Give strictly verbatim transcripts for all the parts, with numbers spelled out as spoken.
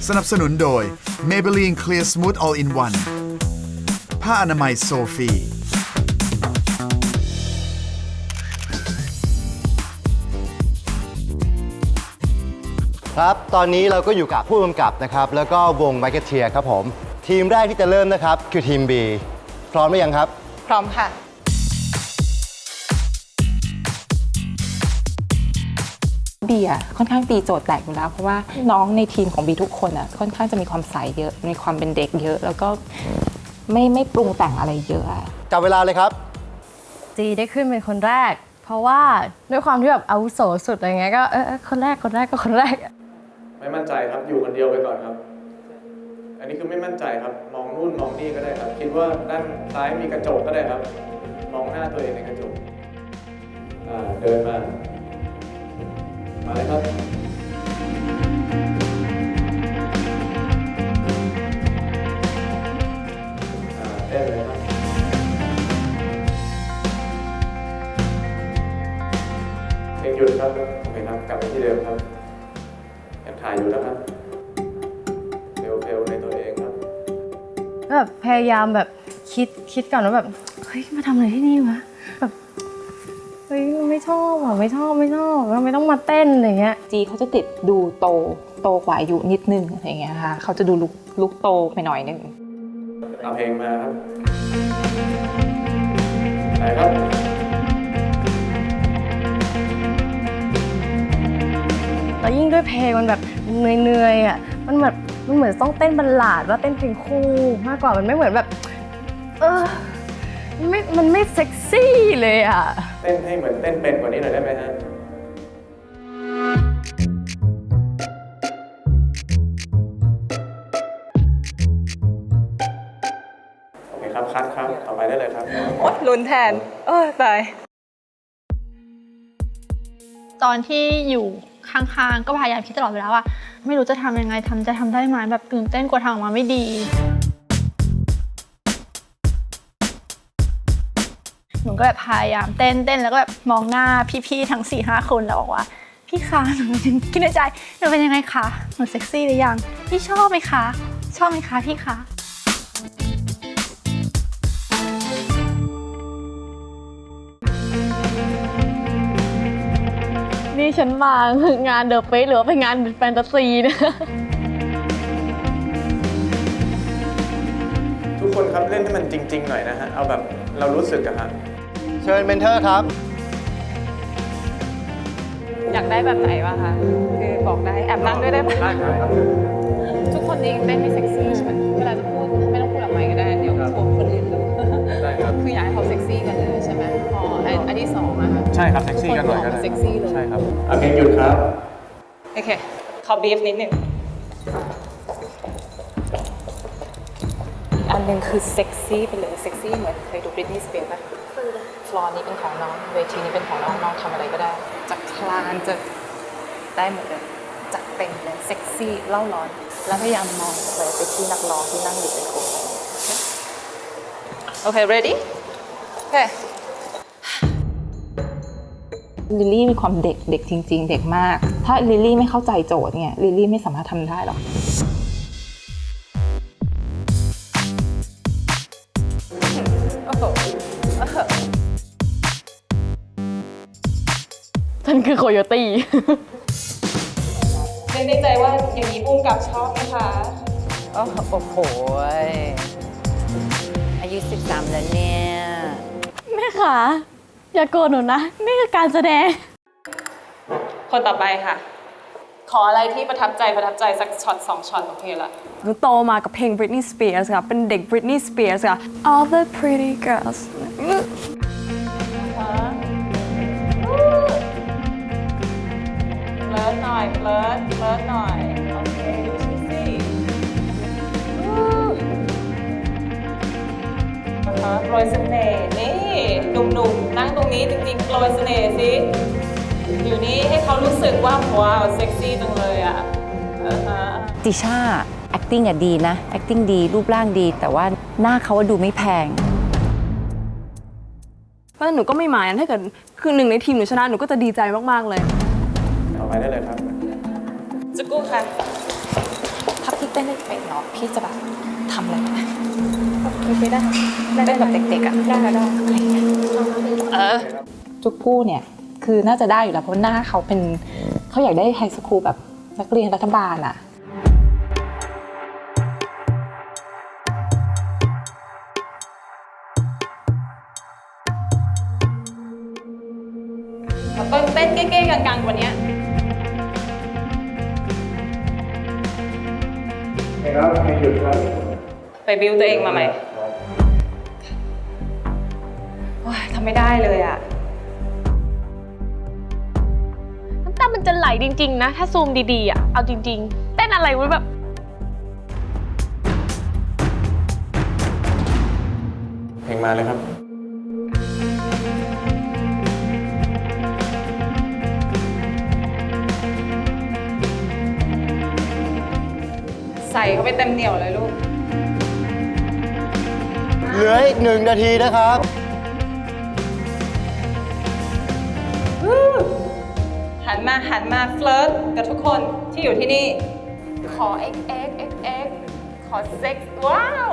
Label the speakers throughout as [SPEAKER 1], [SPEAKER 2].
[SPEAKER 1] สนับสนุนโดย Maybelline Clear Smooth All in One ผ้าอนามัยโซฟี
[SPEAKER 2] ครับตอนนี้เราก็อยู่กับผู้กำกับนะครับแล้วก็วง Marketeer ครับผมทีมแรกที่จะเริ่มนะครับคือทีม B พร้อมหรือยังครับ
[SPEAKER 3] พร้อมค่ะ
[SPEAKER 4] บีอ่ะค่อนข้างตีโจทย์แตกอยู่แล้วเพราะว่าน้องในทีมของบีทุกคนอ่ะค่อนข้างจะมีความใสเยอะมีความเป็นเด็กเยอะแล้วก็ไม่ไม่ปรุงแต่งอะไรเยอะ
[SPEAKER 2] จับเวลาเลยครับ
[SPEAKER 3] จีได้ขึ้นเป็นคนแรกเพราะว่าด้วยความที่แบบอาวุโสสุดอะไรเงี้ยก็เออคนแรกคนแรกก็คนแรก
[SPEAKER 5] ไม่มั่นใจครับอยู่คนเดียวไปก่อนครับอันนี้คือไม่มั่นใจครับมองนู่นมองนี่ก็ได้ครับคิดว่าด้านซ้ายมีกระจกก็ได้ครับมองหน้าตัวเองในกระจกเดินมามาเลยครับเต้นเลยครับเพลงหยุดครับโอเคครับกลับไปที่เดิมครับยังถ่ายอยู่แล้วครับเพลวๆในตัวเองครับ
[SPEAKER 3] แบบพยายามแบบคิดคิดก่อนว่าแบบเฮ้ยมาทำอะไรที่นี่วะแบบเฮ้ยไม่ชอบอ่ะไม่ชอบไม่ชอบแล้วไม่ต้องมาเต้นอะไรเงี้ย
[SPEAKER 4] จีเขาจะติดดูโตโตกว่าอายุนิดนึงอะไรเงี้ยค่ะเขาจะดูลุกลุกโตไปหน่อยนึง
[SPEAKER 5] เอาเพลงมาครับไปครับ
[SPEAKER 3] แล้วยิ่งด้วยเพลงมันแบบเหนื่อยๆอ่ะมันแบบมันเหมือนต้องเต้นบัลลาดว่าเต้นเพลงคู่มากกว่ามันไม่เหมือนแบบเออไม่มันไม่เซ็กซี่เลยอ่ะ
[SPEAKER 5] เต้นให้เหมือนเต้นเป็นกว่านี้หน่อยได้ไหมฮะโอเคครับคัดครับต่อไปได้เลยครับ
[SPEAKER 3] โอ๊ยลุ้นแทนเออตาย
[SPEAKER 6] ตอนที่อยู่ข้างๆก็พยายามคิดตลอดเวลาว่าไม่รู้จะทำยังไงทำจะทำได้ไหมแบบตื่นเต้นกลัวทำออกมาไม่ดีหนูก็แบบพยายามเต้นเต้นแล้วก็แบบมองหน้าพี่ๆทั้ง สี่ห้า คนแล้วบอกว่าพี่คะหนูคิดในใจหนูเป็นยังไงคะหนูเซ็กซี่หรือยังพี่ชอบไหมคะชอบไหมคะพี่คะ
[SPEAKER 3] นี่ฉันมางานเดอะเฟสหรือว่าเป็นงานแฟนตาซีเนี่ย
[SPEAKER 5] ทุกคนครับเล่นให้มันจริงๆหน่อยนะฮะเอาแบบเรารู้สึกอะฮะ
[SPEAKER 2] เชิญเมนเทอร์ครับ
[SPEAKER 4] อยากได้แบบไหนวะคะคือบอกได้แอบนั่งด้วยได้ไหมได้ครับทุกคนนี้เต้นไม่เซ็กซี่ใช่ไหมเวลาจะพูดไม่ต้องพูดออกมาก็ได้เดี๋ยวกลัวคนอื่นรู้ได้ครับคืออยากให้เขาเซ็กซี่กันเลยใช่ไหมพออันที่สองอะค่ะ
[SPEAKER 5] ใช่ครับเซ็กซี่กันหน่อยก็ได้
[SPEAKER 4] เซ็กซี่เลย
[SPEAKER 5] ใช่ครับโอเคหยุดครับ
[SPEAKER 4] โอเคขอบีฟนิดนึงอันหนึ่งคือเซ็กซี่ไปเลยเซ็กซี่เหมือนเคยดูบริตนีย์สเปียร์ป่ะฟลอร์นี้เป็นของน้องเวทีนี้เป็นของน้องน้องทำอะไรก็ได้จากคลานจะได้หมดเลยจัดเต็มเลยเซ็กซี่เล่าร้อนแล้วพยายามมองเลยไปที่นักร้องที่นั่งอยู่เป็นกลุ่มโอเค ready โอเคลิลลี่มีความเด็กเด็กจริงๆเด็กมากถ้าลิลลี่ไม่เข้าใจโจทย์เนี่ยลิลลี่ไม่สามารถทำได้หรอก
[SPEAKER 3] ฉันคือโคโยตี้
[SPEAKER 4] เล่นในใจว่าอย่างนี้ปุ้มกับชอบไหมคะ
[SPEAKER 7] โอ้โหอายุสิบสามแล้วเนี่ย
[SPEAKER 3] แม่ขาอย่าโกรธหนูนะนี่คือการแสดง
[SPEAKER 4] คนต่อไปค่ะขออะไรที่ประทับใจประทับใจสักช็อตสองช็อตโอเคละ
[SPEAKER 3] หนูโตมากับเพลง Britney Spears ค่ะเป็นเด็ก Britney Spears ค่ะ All the pretty girls
[SPEAKER 4] เลิศหน่อยเลิศเลิศหน่อยโอเคดูชิสินะคะโปรยเสน่ห์นี่หนุ่มๆนั่งตรงนี้จริงๆโปรยเสน่ห์สิอยู่นี่ให้เขารู้สึกว่าว้าวเซ็กซี่จังเลยอ่ะ
[SPEAKER 7] ติช่า acting อ่ะดีนะ acting ดีรูปร่างดีแต่ว่าหน้าเขาดูไม่แพง
[SPEAKER 3] เพราะหนูก็ไม่หมายนะถ้าเกิดคือหนึ่งในทีมหนูชนะหนูก็จะดีใจมากๆเลย
[SPEAKER 5] ต่อไปได้เลยครับ
[SPEAKER 4] จะกู้ค่ะพับพี่เต้นได้เป็นเนาะพี่จะแบบทำอะไรนะ
[SPEAKER 3] ไม่ได้
[SPEAKER 4] เต้นแบบเด็กๆอ่ะ
[SPEAKER 3] ได้ได้
[SPEAKER 4] เออจุกผู้เนี่ยคือน่าจะได้อยู่แล้วเพราะหน้าเขาเป็นเขาอยากได้ไฮสคูลแบบนักเรียนรัฐบาลอ่ะต้นเต้นเก้ๆกังๆวันนี้
[SPEAKER 5] ครับให้หยุดครับ
[SPEAKER 4] ไปบิวตัวเองมาใหม่ว้ายทำไม่ได้เลยอ่ะ
[SPEAKER 3] น้ำตามันจะไหลจริงๆนะ ถ้าซูมดีๆอ่ะ เอาจริงๆ เต้นอะไรวะแบบ
[SPEAKER 5] เพลงมาเลยครับ
[SPEAKER 4] ใส่เข้าไปเต็มเหนียวเลยลูก
[SPEAKER 2] เหลืออีกหนึ่งนาทีนะครับ
[SPEAKER 4] หันมาหันมาเฟลิร์ตกับทุกคนที่อยู่ที่นี่ ขอ x x x x ขอเซ็กซ์ว้าว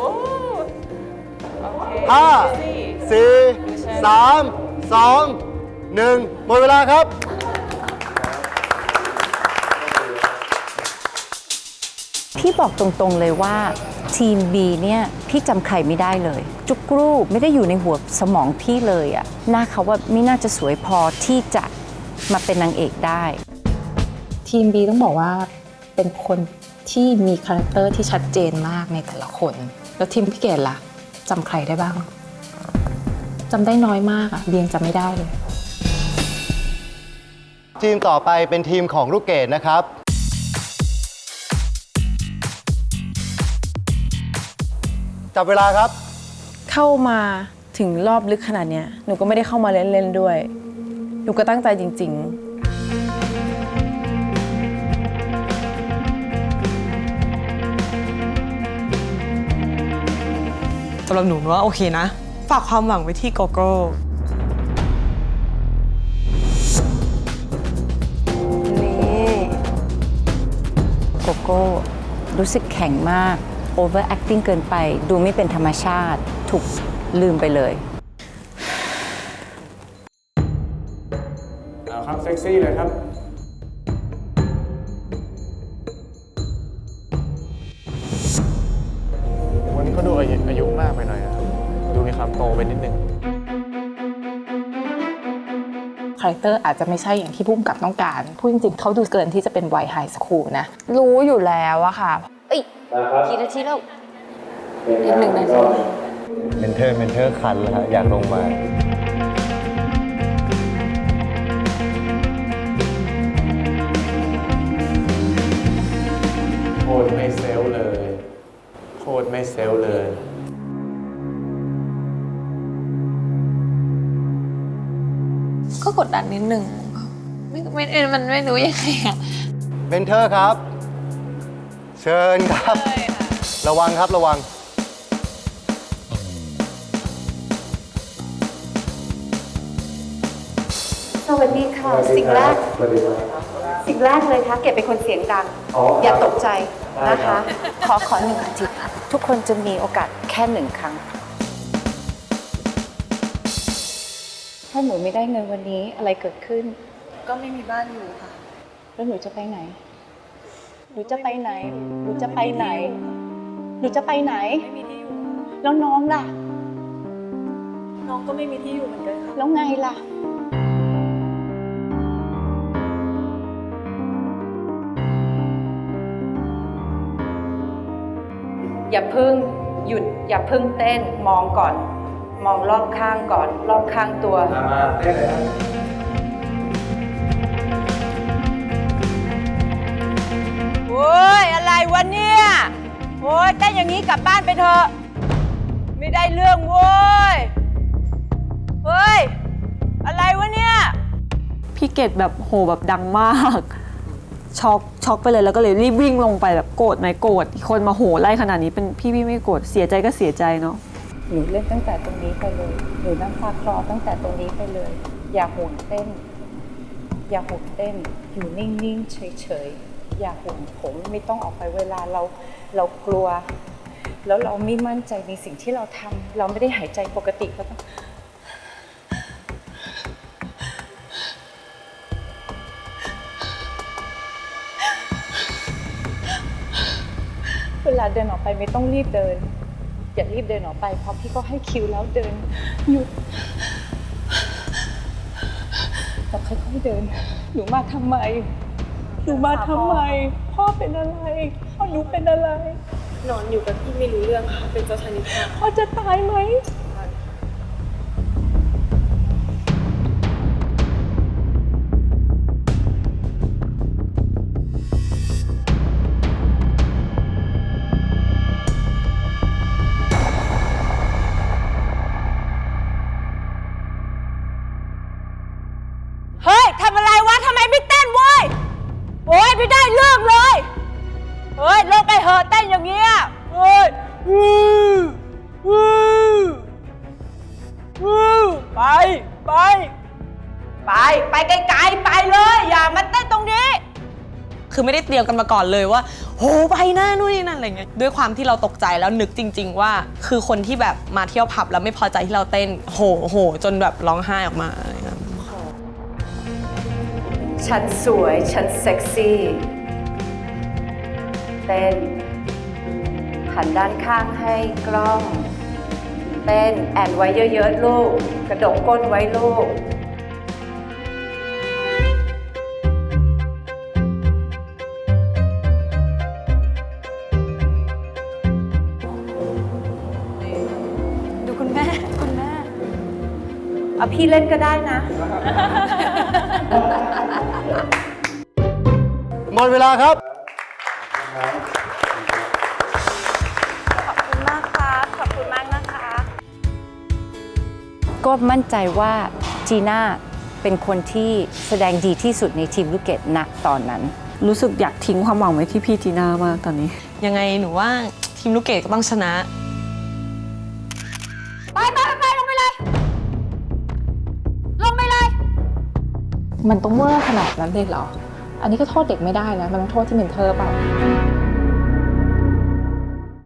[SPEAKER 4] โอเค
[SPEAKER 2] ห้า
[SPEAKER 4] สิ
[SPEAKER 2] สี่ สาม สอง หนึ่งหมดเวลาครับ
[SPEAKER 7] พี่บอกตรงๆเลยว่าทีม B เนี่ยพี่จำใครไม่ได้เลย จุกรูไม่ได้อยู่ในหัวสมองพี่เลยอะหน้าเขาว่าไม่น่าจะสวยพอที่จะมาเป็นนางเอกได้
[SPEAKER 4] ทีม B ต้องบอกว่าเป็นคนที่มีคาแรคเตอร์ที่ชัดเจนมากในแต่ละคน แล้วทีมพี่เกดล่ะจำใครได้บ้างจำได้น้อยมากอะเบียงจำไม่ได้เลย
[SPEAKER 2] ทีมต่อไปเป็นทีมของลูกเกดนะครับ จับเวลาครับ
[SPEAKER 8] เข้ามาถึงรอบลึกขนาดเนี้ยหนูก็ไม่ได้เข้ามาเล่นๆด้วย หนูก็ตั้งใจจริงๆ
[SPEAKER 9] สำหรับหนูว่าโอเคนะ ฝากความหวังไว้ที่โกโก้
[SPEAKER 8] นี่
[SPEAKER 7] โกโก้รู้สึกแข็งมาก over acting เกินไป ดูไม่เป็นธรรมชาติ ถูกลืมไปเลย
[SPEAKER 5] เอาครับ เซ็กซี่เลยครับ วันนี้เขาดูอายุอายุมากไปหน่อยนะครับ ดูมีความโตไปนิดนึง
[SPEAKER 4] คาแรคเตอร์อาจจะไม่ใช่อย่างที่พุ่มกับต้องการ พูดจริงๆเขาดูเกินที่จะเป็นวัยไฮสคูลนะ
[SPEAKER 6] รู้อยู่แล้วอะค่ะ เอ้ยกี่นาทีแล้ว
[SPEAKER 4] อีกหนึ่งนาที
[SPEAKER 2] เมนเทอร์ เมนเทอร์คันแล้วฮะอยากลงมา
[SPEAKER 5] โคตรไม่เซลลเลย โคตรไม่เซลลเลย
[SPEAKER 6] ก็กดดันนิดนึงไม่ไม่มันไม่รู้ยังไงอะ
[SPEAKER 2] เมนเทอร์ครับ เชิญครับ ระวังครับระวัง
[SPEAKER 10] สวัสดีค่ะ สิ่งแรก สิ่งแรกเลยค่ะ เก็บเป็นคนเสียงดัง อย่าตกใจนะคะ
[SPEAKER 7] ขอขอหนึ่งอาทิตย์ทุกคนจะมีโอกาสแค่หนึ่งครั้ง ถ้าหนูไม่ได้เงินวันนี้อะไรเกิดขึ้น
[SPEAKER 8] ก็ไม่มีบ้านอยู่ค่ะ
[SPEAKER 7] แล้วหนูจะไปไหน หนูจะไปไหน หนูจะไปไหน หนูจะไปไหน
[SPEAKER 8] ไม่มีที่อยู่
[SPEAKER 7] แล้วน้องล่ะ
[SPEAKER 8] น้องก็ไม่มีที่อยู่เหมือนกันค่ะ
[SPEAKER 7] แล้วไงล่ะ
[SPEAKER 10] อย่าพึ่งหยุด อย่าพึ่งเต้น มองก่อน มองรอบข้างก่อน รอบข้างตัว
[SPEAKER 5] มามาเต้นเลยครับ
[SPEAKER 11] โอ้ยอะไรวะเนี่ยโอ้ยเต้นอย่างนี้กลับบ้านไปเถอะไม่ได้เรื่องโว้ยเฮ้ยอะไรวะเนี่ย
[SPEAKER 8] พี่เกดแบบโหแบบดังมาก ช็อกช็อกไปเลยแล้วก็เลยรีบวิ่งลงไปแบบโกรธไหมโกรธคนมาโหไล่ขนาดนี้เป็นพี่พี่ไม่โกรธเสียใจก็เสียใจเนาะ
[SPEAKER 7] หนูเล่นตั้งแต่ตรงนี้ไปเลย หนูนั่งฟังคลอตั้งแต่ตรงนี้ไปเลย อย่าห่วงเต้น อย่าห่วงเต้น อยู่นิ่งๆ เฉยๆอย่าห่วงผมไม่ต้องออกไปเวลาเราเรากลัว แล้วเราไม่มั่นใจในสิ่งที่เราทำเราไม่ได้หายใจปกติก็ต้องเวลาเดินออกไปไม่ต้องรีบเดินอย่ารีบเดินออกไปเพราะพี่ก็ให้คิวแล้วเดินหยุดเราค่อยๆเดินหนูมาทำไมหนูมาทำไมพ่อเป็นอะไรพ่อหนูเป็นอะไรนอนอยู่กับพี่ไม่รู้เรื่องค่ะเป็นเจ้าชายนิทราพ่อจะตายไหม
[SPEAKER 11] เฮ้ยทำอะไรวะทำไมไม่เต้นเว้ยโอ้ยไม่ได้เรื่องเลยเฮ้ยลงไปเหอะเต้นอย่างเงี้ยเฮ้ยวู้วู้วู้ไปไปไปไปไกลๆไปเลยอย่ามาเต้นตรงนี้
[SPEAKER 9] คือไม่ได้เตรียมกันมาก่อนเลยว่าโหไปหน้านู่นนี่นั่นอะไรเงี้ยด้วยความที่เราตกใจแล้วนึกจริง ๆ ว่าคือคนที่แบบมาเที่ยวผับแล้วไม่พอใจที่เราเต้นโหโหจนแบบร้องไห้ออกมาอะไรเงี้ย
[SPEAKER 7] ฉันสวยฉันเซ็กซี่เต้นหันด้านข้างให้กล้องเต้นแอนไว้เยอะๆลูกกระดกก้นไว้ลูก
[SPEAKER 6] ดูคุณแม่คุณแม่
[SPEAKER 7] เอาพี่เล่นก็ได้นะ
[SPEAKER 2] หมดเวลาครับ
[SPEAKER 6] ขอบคุณมากครับขอบคุณมากนะคะ
[SPEAKER 7] ก็มั่นใจว่าจีน่าเป็นคนที่แสดงดีที่สุดในทีมลูกเกดณตอนนั้น
[SPEAKER 8] รู้สึกอยากทิ้งความหวังไว้ที่พี่จีน่ามากตอนนี้
[SPEAKER 9] ยังไงหนูว่าทีมลูกเกดก็ต้องชนะ
[SPEAKER 6] ไปไปไปลงไปเลย ลงไปเลย
[SPEAKER 4] มันต้องเวอร์ขนาดนั้นเลยเหรอ อันนี้ก็โทษเด็กไม่ได้นะ มันต้องโทษที่เมนเทอร์เปล่า